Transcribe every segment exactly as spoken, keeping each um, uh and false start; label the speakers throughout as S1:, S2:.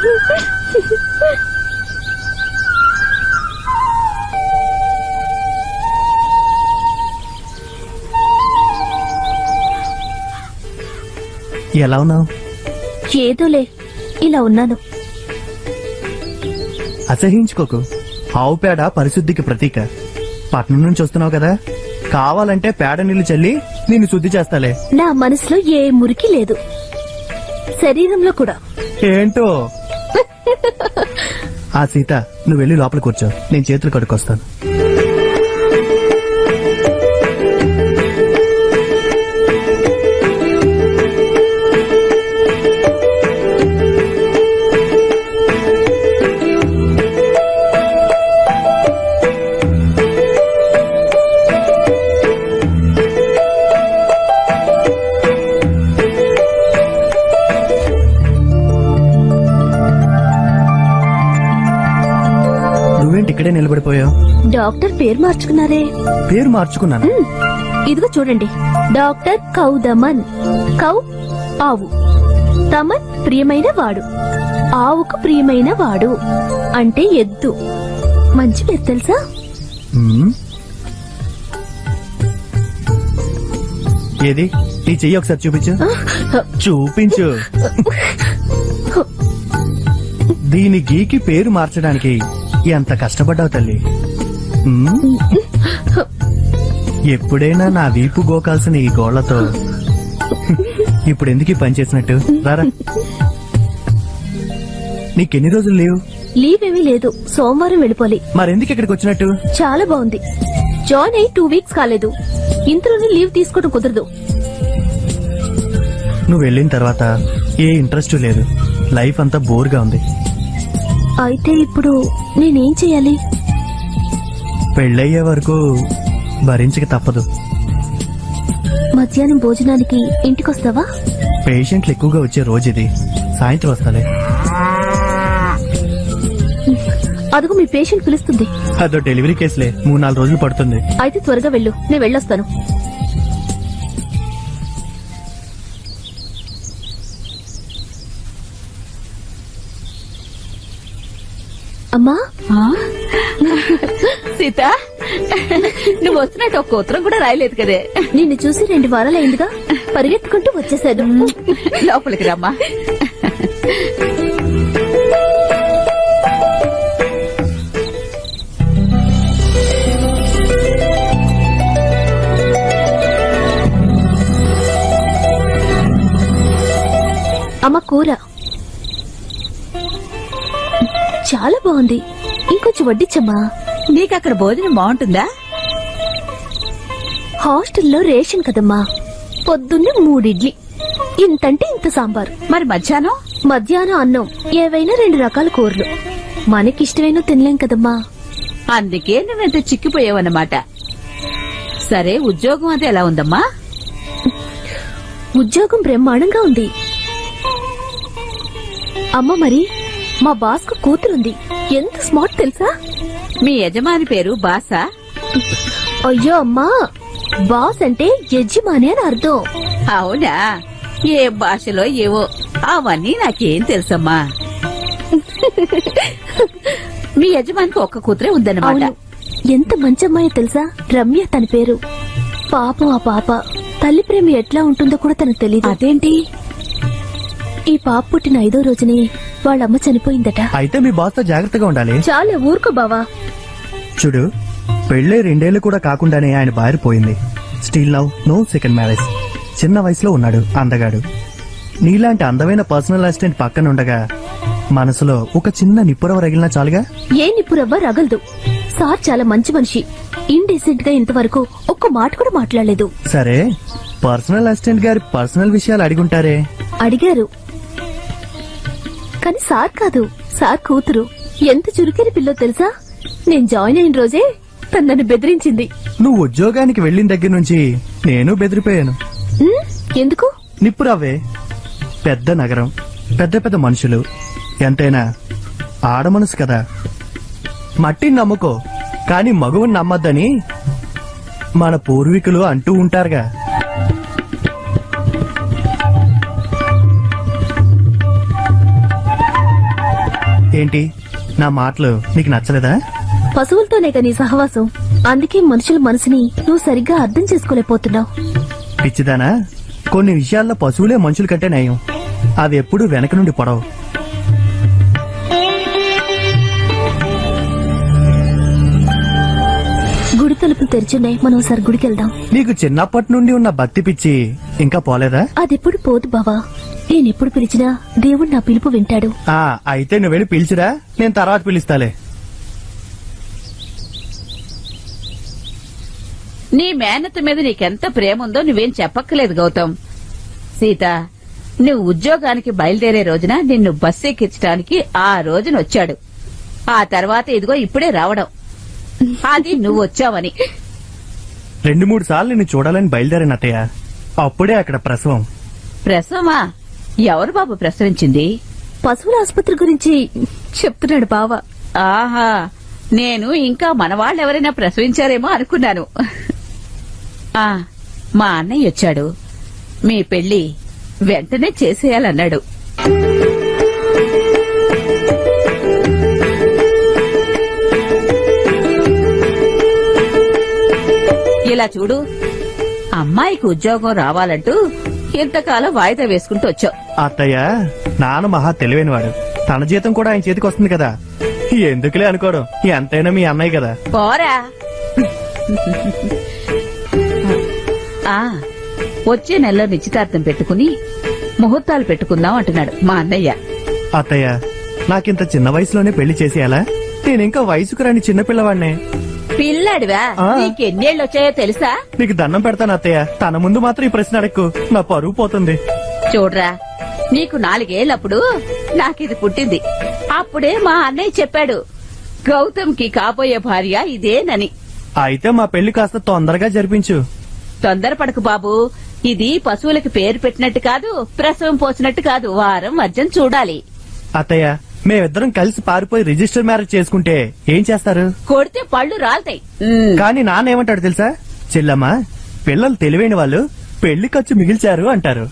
S1: ఎలా ఉన్నావు?
S2: ఏదోలే, ఇలా ఉన్నాను.
S1: అసహించుకోకు. ఆవు పేడ పరిశుద్ధికి ప్రతీక. పట్నం నుంచి వస్తున్నావు కదా, కావాలంటే పేడ నీళ్లు చల్లి నిన్ను శుద్ధి చేస్తాలే.
S2: నా మనసులో ఏ మురికి లేదు, శరీరంలో కూడా.
S1: ఏంటో. ఆ సీత, నువ్వు వెళ్ళి లోపల కూర్చో, నేను చేతులు కడుక్కొస్తాను. ఇక్కడే నిలబడిపోయావు.
S2: డాక్టర్ పేరు మార్చుకున్నారే.
S1: పేరు మార్చుకున్నాను.
S2: ఇదిగో చూడండి, డాక్టర్ కౌదమన్. కౌ ఆవు, తమన్ ప్రియమైన వాడు, ఆవుకు ప్రియమైన వాడు అంటే ఎద్దు. మంచి పేరు తెలుసా?
S1: ఏది నీ చెయ్యి ఒకసారి చూపించు. చూపించు. దీని గీకి పేరు మార్చడానికి ఎంత కష్టపడ్డావు తల్లి. ఎప్పుడైనా నా వీపు గోకాల్సిన ఈ గోళ్లతో ఇప్పుడు ఎందుకు ఈ పని చేసినట్టు? రారా. నీకెన్ని రోజులు లీవ్?
S2: లీవ్ ఏమీ లేదు, సోమవారం వెళ్ళిపోవాలి.
S1: మరెందుకు ఇక్కడికి వచ్చినట్టు?
S2: చాలా బాగుంది. జాయిన్ అయ్యి టూ వీక్స్ కాలేదు, ఇంతలోనే లీవ్ తీసుకోవడం కుదరదు.
S1: నువ్వు వెళ్ళిన తర్వాత ఏ ఇంట్రెస్ట్ లేదు, లైఫ్ అంతా బోర్గా ఉంది.
S2: అయితే ఇప్పుడు నేనేం చెయ్యాలి?
S1: పెళ్ళయ్యే వరకు భరించక తప్పదు.
S2: మధ్యాహ్నం భోజనానికి ఇంటికొస్తావా?
S1: పేషెంట్లు ఎక్కువగా వచ్చే రోజు ఇది, సాయంత్రం వస్తాలే.
S2: అదుగు మీ పేషెంట్ పిలుస్తుంది.
S1: అదో డెలివరీ కేసులే, మూడు నాలుగు రోజులు పడుతుంది.
S2: అయితే త్వరగా వెళ్ళు, నేను వెళ్ళొస్తాను. అమ్మా.
S3: సీత, నువ్వు వస్తున్నట్టు ఒక ఉత్తరం కూడా రాయలేదు కదే.
S2: నిన్ను చూసి రెండు వారాలైందిగా, పరిగెత్తుకుంటూ వచ్చేసాడు.
S3: లోపలికి రమ్మా.
S2: అమ్మ కూర చాలా బాగుంది, ఇంకొంచెం వడ్డించమ్మా.
S3: నీకక్కడ భోజనం బాగుంటుందా?
S2: హాస్టల్లో రేషన్ కదమ్మా, పొద్దున్నే మూడిడ్లీ, ఇంతంటే ఇంత సాంబార్.
S3: మరి మధ్యాహ్నం?
S2: మధ్యాహ్నం అన్నం, ఏవైనా రెండు రకాల కూరలు. మనకిష్టమైన తినలేం కదమ్మా.
S3: అందుకే నువ్వెంత చిక్కిపోయావన్నమాట. సరే, ఉద్యోగం అది ఎలా ఉందమ్మా?
S2: ఉద్యోగం బ్రహ్మాండంగా ఉంది అమ్మ. మరి మా బాస్ కు కూతురుంది, ఎంత స్మార్ట్ తెలుసా?
S3: మీ యజమాని పేరు బాసా?
S2: అయ్యో అమ్మా, బాస్ అంటే యజమాని అని అర్థం.
S3: అవునా? ఏ భాషలో ఏవో అవన్నీ నాకేం తెలుసమ్మా. మీ యజమానికి ఒక్క కూతురే ఉందన్నమాట.
S2: ఎంత మంచి అమ్మాయో తెలుసా? రమ్య తన పేరు. పాపం ఆ పాప తల్లి ప్రేమ ఎట్లా ఉంటుందో కూడా తనకు తెలియదు.
S3: అదేంటి?
S2: ఈ పాప పుట్టిన ఐదో రోజునే వాళ్ళమ్మ చనిపోయిందట.
S1: అయితే మీ బాస్ తో జాగ్రత్తగా ఉండాలి.
S2: చాలా ఊరుకో బావా.
S1: చూడు, పెళ్లే రెండేళ్లు కూడా కాకుండానే ఆయన భార్య పోయింది. Still now no second marriage. చిన్న వయసులో ఉన్నాడు, అందగాడు. నీలాంటి అందమైన పర్సనల్ అసిస్టెంట్ పక్కన ఉండగా మనసులో ఒక చిన్న నిప్పురవ రగిలినా చాలుగా.
S2: ఏ నిప్పురవ్వ రగలదు. సార్ చాలా మంచి మనిషి. ఇండీసెంట్ గా ఇంతవరకు ఒక్క మాట కూడా మాట్లాడలేదు.
S1: సరే, పర్సనల్ అసిస్టెంట్ గారి పర్సనల్ విషయాలు అడిగుంటారే?
S2: అడిగారు, కానీ సార్ కాదు, సార్ కూతురు. ఎంత చురుకైన పిల్లో తెలుసా? నేను జాయిన్ అయిన రోజే తను నన్ను బెదిరించింది.
S1: నువ్వు ఉద్యోగానికి వెళ్లిన దగ్గర నుంచి నేను బెదిరిపోయాను.
S2: ఎందుకు?
S1: నిప్పురవ్వే. పెద్ద నగరం, పెద్ద పెద్ద మనుషులు, ఎంతైనా ఆడమనసు కదా. మట్టిని నమ్ముకో, కాని మగువుని నమ్మద్దని మన పూర్వీకులు అంటూ ఉంటారుగా. ఏంటి నా మాటలు నీకు నచ్చలేదా?
S2: పశువులతోనే నీ సహవాసం, అందుకే మనుషుల మనసుని నువ్వు సరిగ్గా అర్థం చేసుకోలేకపోతున్నావు.
S1: పిచ్చిదానా, కొన్ని విషయాల్లో పశువులే మనుషుల కంటే నయం. అవి ఎప్పుడూ వెనక నుండి పొడవు.
S2: గుడి తలుపులు తెరిచున్నాయి, మనం ఒకసారి గుడికి వెళ్దాం.
S1: నీకు చిన్నప్పటి నుండి ఉన్న భక్తి పిచ్చి ఇంకా పోలేదా?
S2: అదెప్పుడు పోదు బావా. నేనెప్పుడు పిలిచినా దేవుడు నా పిలుపు వింటాడు.
S1: ఆ అయితే నువ్వు వెళ్ళి పిలిచిరా, నేను తర్వాత పిలుస్తాలే.
S3: నీ మేనత్త మీద నీకెంత ప్రేమ ఉందో నువ్వేం చెప్పక్కలేదు గౌతమ్. సీత, నువ్వు ఉద్యోగానికి బయలుదేరే రోజున నిన్ను బస్సు ఎక్కించడానికి ఆ రోజున వచ్చాడు. ఆ తర్వాత ఇదిగో ఇప్పుడే రావడం, అది నువ్వు వచ్చావని.
S1: రెండు మూడు సార్లు నిన్ను చూడాలని బయలుదేరాను అత్తయ్య. అప్పుడే అక్కడ ప్రసవం.
S3: ప్రసవమా? ఎవరు బాబు ప్రసవించింది?
S2: పశువుల ఆసుపత్రి గురించి చెప్తున్నాడు బావ.
S3: ఆహా, నేను ఇంకా మనవాళ్ళెవరైనా ప్రసవించారేమో అనుకున్నాను. ఆ మా అన్నయ్య వచ్చాడు. మీ పెళ్లి వెంటనే చేసేయాలన్నాడు. ఇలా చూడు, అమ్మాయికి ఉద్యోగం రావాలంటూ ఇంతకాలం వాయిదా వేసుకుంటూ వచ్చావు.
S1: అత్తయ్య, నాన్న మహా తెలివైనవాడు. తన జీతం కూడా ఆయన చేతికి వస్తుంది కదా, ఎందుకులే అనుకోవడం. ఎంతైనా మీ అన్నయ్య కదా.
S3: పోరా. ఆ వచ్చే నెలలో నిశ్చితార్థం పెట్టుకుని ముహూర్తాలు పెట్టుకుందాం అంటున్నాడు మా అన్నయ్య.
S1: అత్తయ్య, నాకింత చిన్న వయసులోనే పెళ్లి చేసేయాలా? నేనింకా వయసుకు రాని చిన్నపిల్లవాడినే.
S3: పిల్లాడివా?
S1: ఆ.
S3: నీకెన్నేళ్ళు వచ్చాయో తెలుసా?
S1: నీకు దండం పెడతాను అత్తయ్య, తన ముందు మాత్రం ఈ ప్రశ్న అడక్కు, నా పరువు పోతుంది.
S3: చూడరా, నీకు నాలుగేళ్లప్పుడు నాకిది పుట్టింది. అప్పుడే మా అన్నయ్య చెప్పాడు, గౌతమ్కి కాబోయే భార్య ఇదేనని.
S1: అయితే మా పెళ్లి కాస్త తొందరగా జరిపించు.
S3: తొందరపడకు బాబు, ఇది పశువులకి పేరు పెట్టినట్టు కాదు, ప్రసవం పోసినట్టు కాదు. వారం వర్జం చూడాలి.
S1: అత్తయ్య, మేమిద్దరం కలిసి పారిపోయి రిజిస్టర్ మ్యారేజ్ చేసుకుంటే ఏం చేస్తారు?
S3: కొడితే పళ్ళు రాలతాయి. ఉమ్.
S1: కానీ నాన్న ఏమంటాడు తెలుసా? చెల్లమ్మ, పిల్లలు తెలివైన వాళ్ళు పెళ్లి ఖర్చు మిగిల్చారు అంటారు.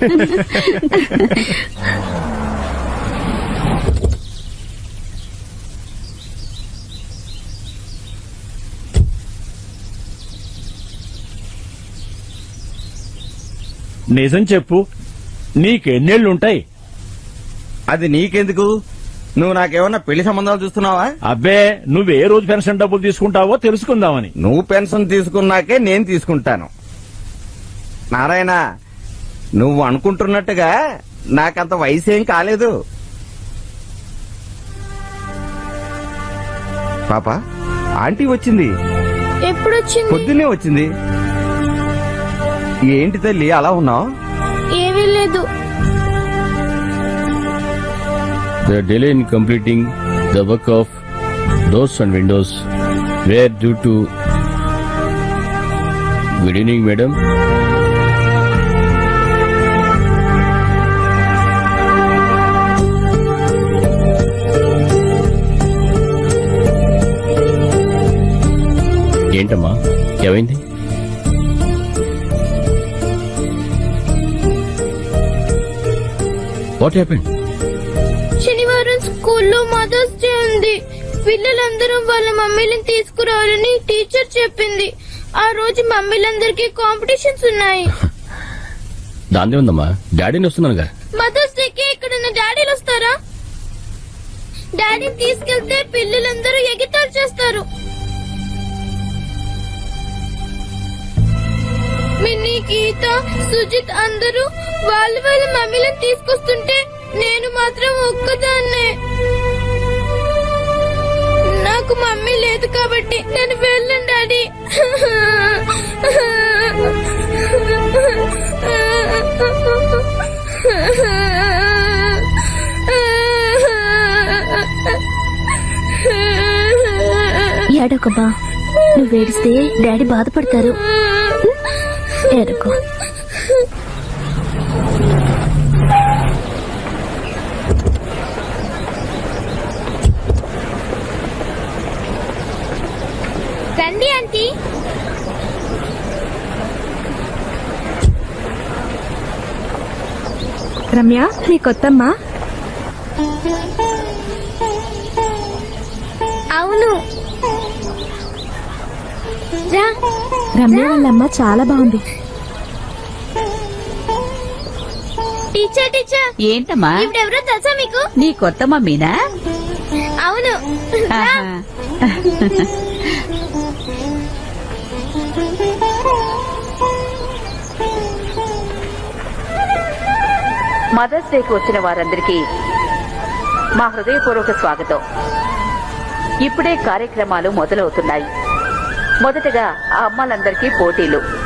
S4: నిజం చెప్పు, నీకెన్నేళ్లుంటాయి?
S5: అది నీకెందుకు? నువ్వు నాకేమన్నా పెళ్లి సంబంధాలు చూస్తున్నావా?
S4: అబ్బే, నువ్వే రోజు పెన్షన్ డబ్బులు తీసుకుంటావో తెలుసుకుందామని.
S5: నువ్వు పెన్షన్ తీసుకున్నాకే నేను తీసుకుంటాను. నారాయణ, నువ్వు అనుకుంటున్నట్టుగా నాకంత వయసేం కాలేదు. పాప, ఆంటీ వచ్చింది.
S6: ఎప్పుడొచ్చింది?
S5: పొద్దున్నే వచ్చింది. ఏంటి తల్లి అలా ఉన్నావు?
S6: ఏమీ లేదు.
S7: The delay in completing the work of doors and windows were due to... Good evening, madam. ఏంటమ్మా, ఏమైంది? What happened?
S6: శనివారం స్కూల్లో మదర్స్ డే ఉంది. పిల్లలందరూ వాళ్ళ మమ్మీలను తీసుకురావాలని టీచర్ చెప్పింది. ఆ రోజు మమ్మీలందరికీ కాంపిటీషన్స్ ఉన్నాయి.
S7: దాందే ఉందమ్మా, డాడీని వస్తున్నానుగా.
S6: మదర్స్ డేకి ఇక్కడ డాడీలు వస్తారా? డాడీని తీసుకెళ్తే పిల్లలందరూ ఎగితాలు చేస్తారు. మిన్నీ, గీత, సుజిత్ అందరూ వాళ్ళ వాళ్ళ మమ్మీలను తీసుకొస్తుంటే నేను మాత్రం ఒక్కదాన్నే. నాకు మమ్మీ లేదు కాబట్టి నేను వెళ్ళను డాడీ.
S2: ఏడోకమ్మా, నువ్వు ఏడిస్తే డాడీ బాధపడతారు. ఏడకో.
S6: రండి ఆంటీ.
S8: రమ్య, నీ కొత్తమ్మా.
S6: అవును రా
S2: రమ్య వాళ్ళ అమ్మ చాలా బాగుంది.
S6: టీచర్ టీచర్
S3: ఏంటమ్మా
S6: ఇవిడెవరో తెలుసా మీకు?
S3: నీ కొత్త మమ్మీనా?
S6: అవును రా.
S3: ఆహా. మదర్స్ డేకి వచ్చిన వారందరికీ మా హృదయపూర్వక స్వాగతం. ఇప్పుడే కార్యక్రమాలు మొదలవుతున్నాయి. మొదటగా ఆ అమ్మలందరికీ పోటీలు.